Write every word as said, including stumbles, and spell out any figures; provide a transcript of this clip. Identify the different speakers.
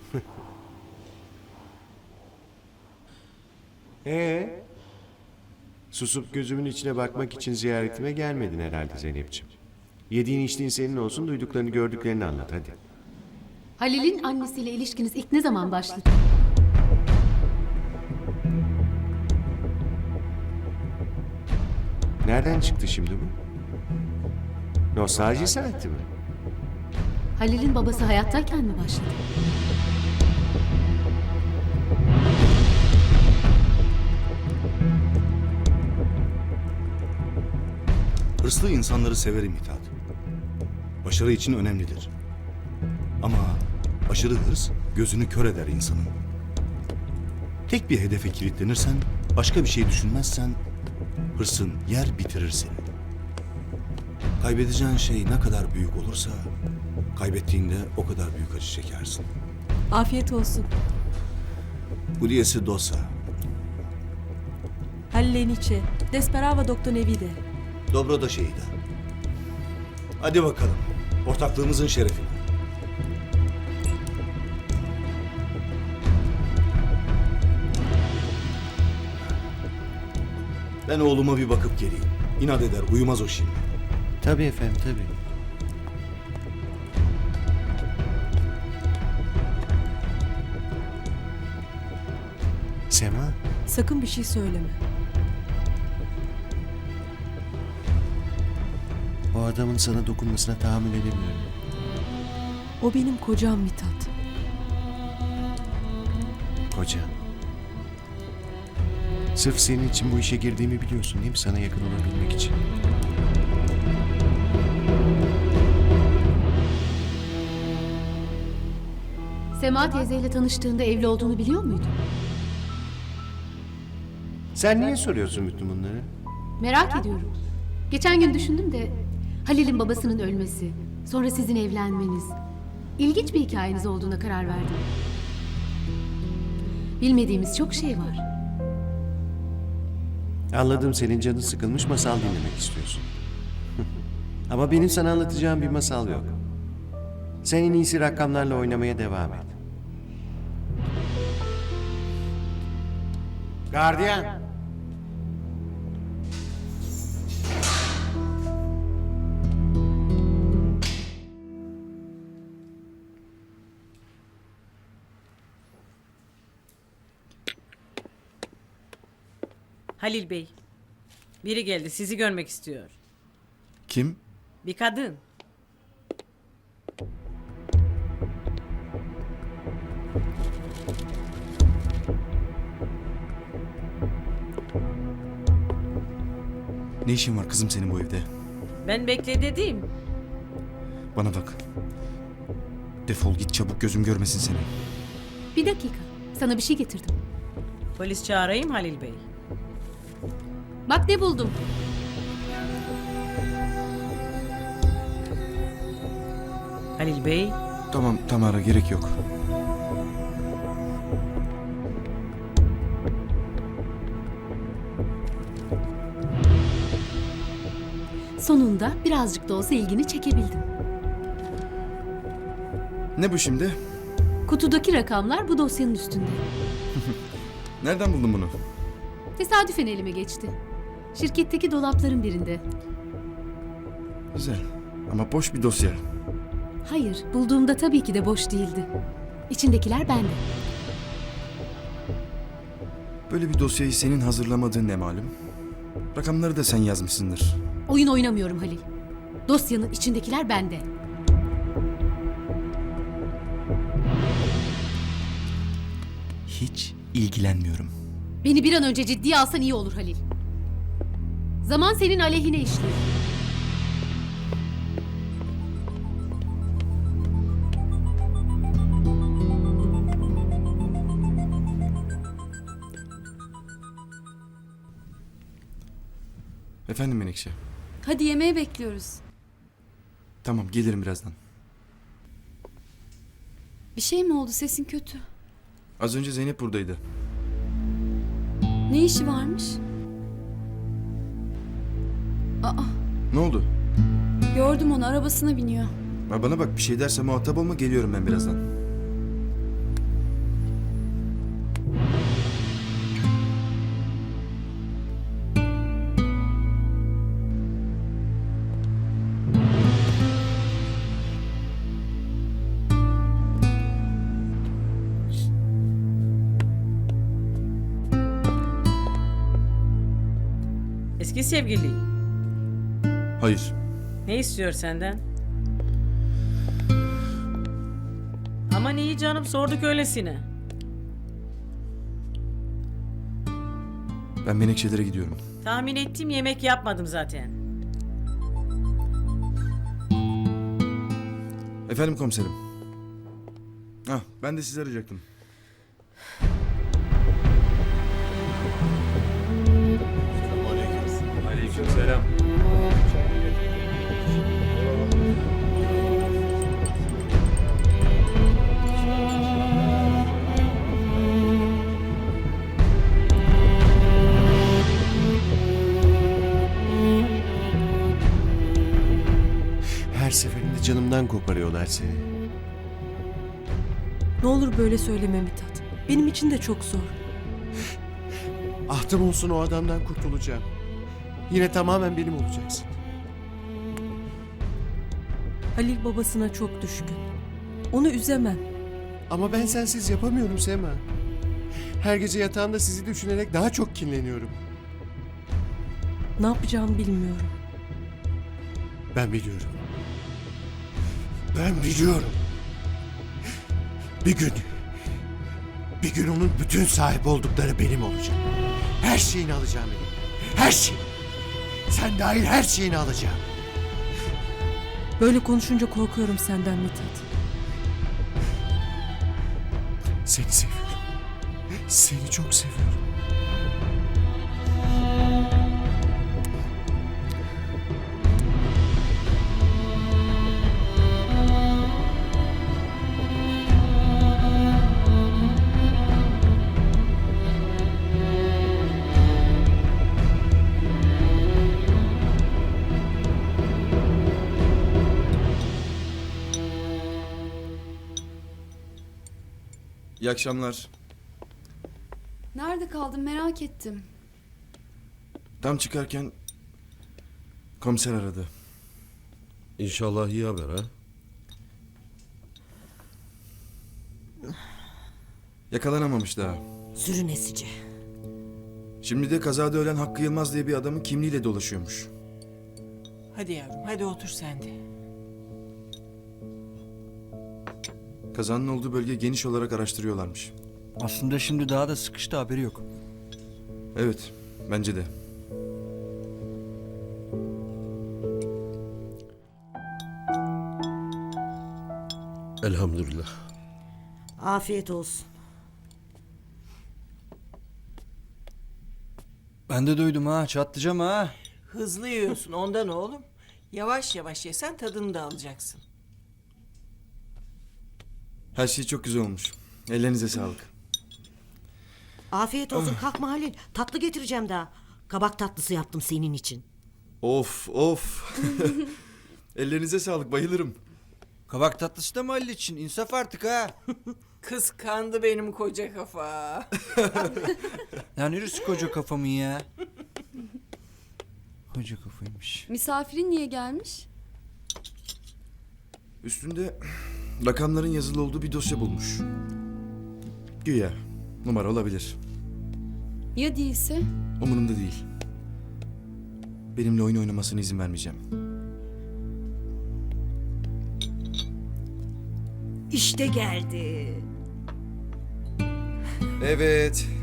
Speaker 1: Ee, susup gözümün içine bakmak için ziyaretime gelmedin herhalde Zeynep'ciğim. Yediğin içtiğin senin olsun, duyduklarını gördüklerini anlat hadi.
Speaker 2: Halil'in annesiyle ilişkiniz ilk ne zaman başladı?
Speaker 1: Nereden çıktı şimdi bu? Nostalji saati mi?
Speaker 2: Halil'in babası hayattayken mi başladı?
Speaker 3: Hırslı insanları severim Mithat. Başarı için önemlidir. Ama aşırı hırs gözünü kör eder insanın. Tek bir hedefe kilitlenirsen, başka bir şey düşünmezsen hırsın yer bitirir seni. Kaybedeceğin şey ne kadar büyük olursa kaybettiğinde o kadar büyük acı çekersin.
Speaker 4: Afiyet olsun.
Speaker 3: Bu diyesi dosa.
Speaker 4: Hallenice. Desperava doktor Nevide.
Speaker 3: Dobro da şeyda. Hadi bakalım. Ortaklığımızın şerefine. Ben oğluma bir bakıp geleyim. İnat eder, uyumaz o şimdi.
Speaker 1: Tabii efendim, tabii. Sema,
Speaker 4: Sakın bir şey söyleme.
Speaker 1: o adamın sana dokunmasına tahammül edemiyorum.
Speaker 4: O benim kocam Mithat.
Speaker 1: Koca. Sırf senin için bu işe girdiğimi biliyorsun değil mi? Sana yakın olabilmek için.
Speaker 2: Sema teyzeyle tanıştığında evli olduğunu biliyor muydun?
Speaker 1: Sen niye soruyorsun bütün bunları?
Speaker 2: Merak ediyorum. Geçen gün düşündüm de Halil'in babasının ölmesi, sonra sizin evlenmeniz, ilginç bir hikayeniz olduğuna karar verdim. Bilmediğimiz çok şey var.
Speaker 1: Anladım, senin canın sıkılmış, masal dinlemek istiyorsun. Ama benim sana anlatacağım bir masal yok. Sen en iyisi rakamlarla oynamaya devam et. Gardiyan!
Speaker 5: Halil Bey, biri geldi, sizi görmek istiyor.
Speaker 3: Kim?
Speaker 5: Bir kadın.
Speaker 3: Ne işin var kızım senin bu evde?
Speaker 5: Ben bekle dedim.
Speaker 3: Bana bak. Defol git çabuk, gözüm görmesin seni.
Speaker 2: Bir dakika, sana bir şey getirdim.
Speaker 5: Polis çağırayım Halil Bey.
Speaker 2: Bak ne buldum.
Speaker 5: Halil Bey,
Speaker 3: Tamam Tamara, gerek yok.
Speaker 2: Sonunda birazcık da olsa ilgini çekebildim.
Speaker 3: Ne bu şimdi?
Speaker 2: Kutudaki rakamlar bu dosyanın üstünde.
Speaker 3: Nereden buldun bunu?
Speaker 2: Tesadüfen elime geçti. Şirketteki dolapların birinde.
Speaker 3: Güzel ama boş bir dosya.
Speaker 2: Hayır, bulduğumda tabii ki de boş değildi. İçindekiler bende.
Speaker 6: Böyle bir dosyayı senin hazırlamadığın ne malum? Rakamları da sen yazmışsındır.
Speaker 2: Oyun oynamıyorum Halil. Dosyanın içindekiler bende.
Speaker 6: Hiç ilgilenmiyorum.
Speaker 2: Beni bir an önce ciddiye alsan iyi olur Halil. Zaman senin aleyhine işliyor.
Speaker 6: Efendim Menekşe.
Speaker 4: Hadi yemeğe bekliyoruz.
Speaker 6: Tamam, gelirim birazdan.
Speaker 4: Bir şey mi oldu? Sesin kötü.
Speaker 6: Az önce Zeynep buradaydı.
Speaker 4: Ne işi varmış? Aa,
Speaker 6: Ne oldu?
Speaker 4: gördüm onu, arabasına biniyor.
Speaker 6: Ha, bana bak, bir şey derse muhatap olma, geliyorum ben birazdan.
Speaker 5: Eski sevgili.
Speaker 6: Hayır.
Speaker 5: Ne istiyor senden? Aman iyi canım, sorduk öylesine.
Speaker 6: Ben Menekşelere gidiyorum.
Speaker 5: Tahmin ettim, yemek yapmadım zaten.
Speaker 6: Efendim komiserim. Ah, ben de sizi arayacaktım.
Speaker 7: Aleykümselam.
Speaker 1: Her seferinde canımdan koparıyorlar seni.
Speaker 8: Ne olur böyle söyleme Mithat. Benim için de çok zor.
Speaker 1: Ahtım olsun o adamdan kurtulacağım. Yine tamamen benim olacaksın.
Speaker 8: Halil babasına çok düşkün. Onu üzemem.
Speaker 1: Ama ben sensiz yapamıyorum Sema. Her gece yatağımda sizi düşünerek daha çok kinleniyorum.
Speaker 8: Ne yapacağımı bilmiyorum.
Speaker 1: Ben biliyorum. Ben biliyorum. Bir gün, bir gün onun bütün sahip oldukları benim olacak. Her şeyini alacağım elimden. Her şeyi. Sen dahil her şeyini alacağım.
Speaker 8: Böyle konuşunca korkuyorum senden Mithat.
Speaker 1: Seni seviyorum. Seni çok seviyorum.
Speaker 6: İyi akşamlar.
Speaker 4: Nerede kaldın merak ettim.
Speaker 6: Tam çıkarken komiser aradı.
Speaker 9: İnşallah iyi haber ha.
Speaker 6: Yakalanamamış daha.
Speaker 10: Sürünesici.
Speaker 6: Şimdi de kazada ölen Hakkı Yılmaz diye bir adamın kimliğiyle dolaşıyormuş.
Speaker 10: Hadi yavrum, hadi otur sen de.
Speaker 6: Kazanın olduğu bölge geniş olarak araştırıyorlarmış.
Speaker 11: Aslında şimdi daha da sıkıştı, haberi yok.
Speaker 6: Evet, bence de.
Speaker 9: Elhamdülillah.
Speaker 10: Afiyet olsun.
Speaker 11: Ben de duydum ha, çatlayacağım ha.
Speaker 10: Hızlı yiyorsun ondan oğlum. Yavaş yavaş yesen tadını da alacaksın.
Speaker 6: Her şey çok güzel olmuş. Ellerinize sağlık.
Speaker 10: Afiyet olsun. Kalkma Halil. Tatlı getireceğim daha. Kabak tatlısı yaptım senin için.
Speaker 6: Of, of. Ellerinize sağlık, bayılırım.
Speaker 11: Kabak tatlısı da mı Halil için? İnsaf artık ha.
Speaker 10: Kıskandı benim koca kafa.
Speaker 11: Ya neresi koca kafamın ya? Koca kafaymış.
Speaker 4: Misafirin niye gelmiş?
Speaker 6: Üstünde rakamların yazılı olduğu bir dosya bulmuş. Güya numara olabilir.
Speaker 4: Ya değilse?
Speaker 6: Umurumda değil. Benimle oyun oynamasına izin vermeyeceğim.
Speaker 10: İşte geldi.
Speaker 6: Evet,